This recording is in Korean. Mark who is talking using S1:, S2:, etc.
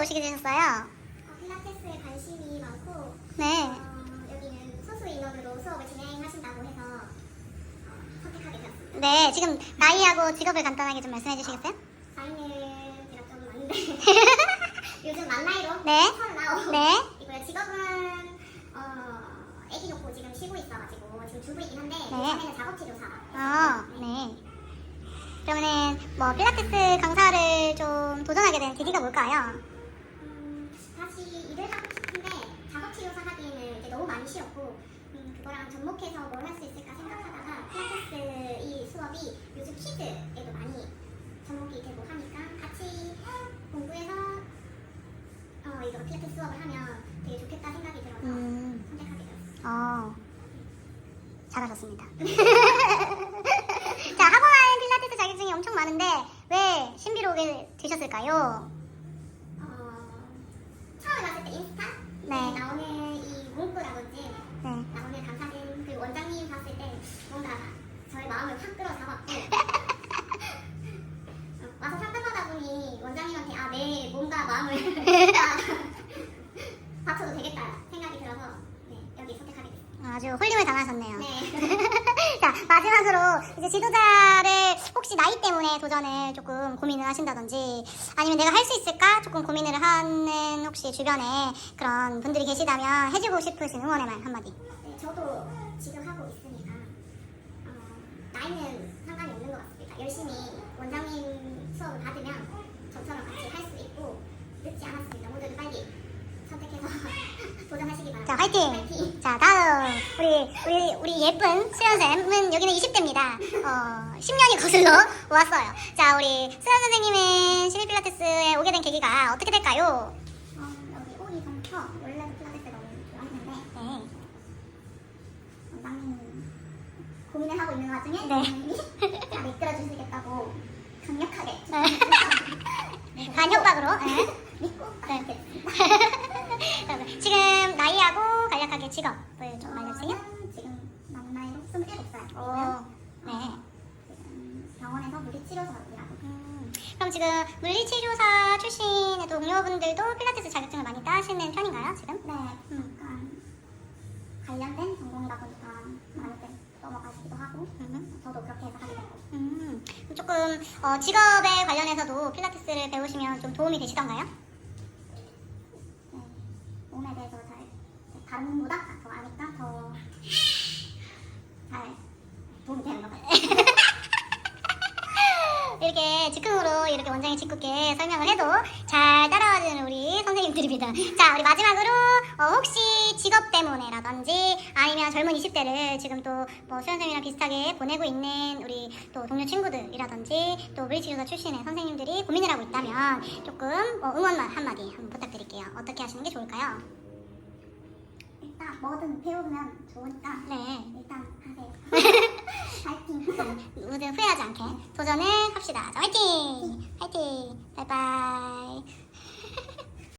S1: 오시게 되셨어요?
S2: 필라테스에 관심이 많고
S1: 네.
S2: 여기는 소수 인원으로 수업을 진행하신다고 해서 선택하게 되었습니다.
S1: 네, 지금 나이하고 직업을 간단하게 좀 말씀해 주시겠어요?
S2: 나이는 제가 좀 많은데 요즘 만 나이로
S1: 네.
S2: 39
S1: 네.
S2: 이고요. 직업은 아기 놓고 지금 쉬고 있어가지고 지금 주부이긴 한데
S1: 네.
S2: 요즘에는 작업치료사.
S1: 네. 그러면은 뭐 필라테스 강사를 좀 도전하게 된 계기가 뭘까요?
S2: 다시 일을 하고 싶은데 작업치료사 하기에는 이제 너무 많이 쉬었고 그거랑 접목해서 뭘 할 수 있을까 생각하다가 필라테스 이 수업이 요즘 키즈에도 많이 접목이 되고 하니까 같이 공부해서 이거 필라테스 수업을 하면 되게 좋겠다 생각이 들어서 선택하게 되었어요.
S1: 잘하셨습니다. 자, 학원 안에 필라테스 자격증이 엄청 많은데 왜 신비로 오게 되셨을까요?
S2: 처음에 봤을 때 인스타
S1: 네.
S2: 나오는 이 문구라든지
S1: 네.
S2: 나오는 강사진 그리고 원장님 봤을 때 뭔가 저의 마음을 확 끌어잡았고 와서 상담하다 보니 원장님한테 내 몸과 마음을 바쳐도 되겠다 생각이 들어서 여기 선택하게 됐습니다.
S1: 아주 홀림을 당하셨네요.
S2: 네.
S1: 자, 마지막으로 이제 지도자를 혹시 나이 때문에 도전을 조금 고민을 하신다든지 아니면 내가 할 수 있을까 조금 고민을 하는 혹시 주변에 그런 분들이 계시다면 해주고 싶으신 응원의 말 한마디.
S2: 네, 저도 지금 하고 있으니까 나이는 상관이 없는 것 같습니다. 열심히 원장님 수업을 받으면 저처럼 같이 할 수 있고 늦지 않았습니다. 모두 빨리 선택해서 도전하시기 바랍니다.
S1: 자, 화이팅!
S2: 화이팅!
S1: 자, 다음 우리 예쁜 수연쌤은 여기는 20대입니다. 10년이 거슬러 왔어요. 자, 우리 수연 선생님은 시리 필라테스에 오게 된 계기가 어떻게 될까요?
S2: 여기 오기 전부터 원래도 필라테스 너무 좋아했는데
S1: 네.
S2: 원장님 고민을 하고 있는 와중에
S1: 네.
S2: 원장님이 다 이끌어 주시겠다고 강력하게
S1: 간협박으로. 네.
S2: 믿고
S1: 네. 지금 나이하고 간략하게 직업을 좀 알려주세요.
S2: 저는 지금 만 나이로 27살.
S1: 오, 네.
S2: 지금 병원에서 물리치료사로 일하고
S1: 그럼 지금 물리치료사 출신의 동료분들도 필라테스 자격증을 많이 따시는 편인가요, 지금?
S2: 네, 약간 관련된 전공이다 보니까 많이들 넘어가시기도 하고 저도 그렇게 해서 하게 됐고
S1: 그럼 조금 직업에 관련해서도 필라테스를 배우시면 좀 도움이 되시던가요?
S2: 네, 몸에 대해서 잘 다른 분보다 더 아니까 더 잘 도움이 되는 것 같아요.
S1: 이렇게 즉흥으로 이렇게 원장이 짓궂게 설명을 해도 잘 따라와주는 우리 선생님들입니다. 자, 우리 마지막으로 혹시 직업 때문에라든지 아니면 젊은 20대를 지금 또 뭐 수연쌤이랑 비슷하게 보내고 있는 우리 또 동료 친구들이라든지 또 물리치료사 출신의 선생님들이 고민을 하고 있다면 조금 응원만 한마디 한번 부탁드릴게요. 어떻게 하시는 게 좋을까요?
S2: 일단 뭐든 배우면 좋으니까
S1: 네.
S2: 일단 하세요. 파이팅!
S1: 모두 후회하지 않게 도전을 합시다. 자, 화이팅! 화이팅! 바이바이!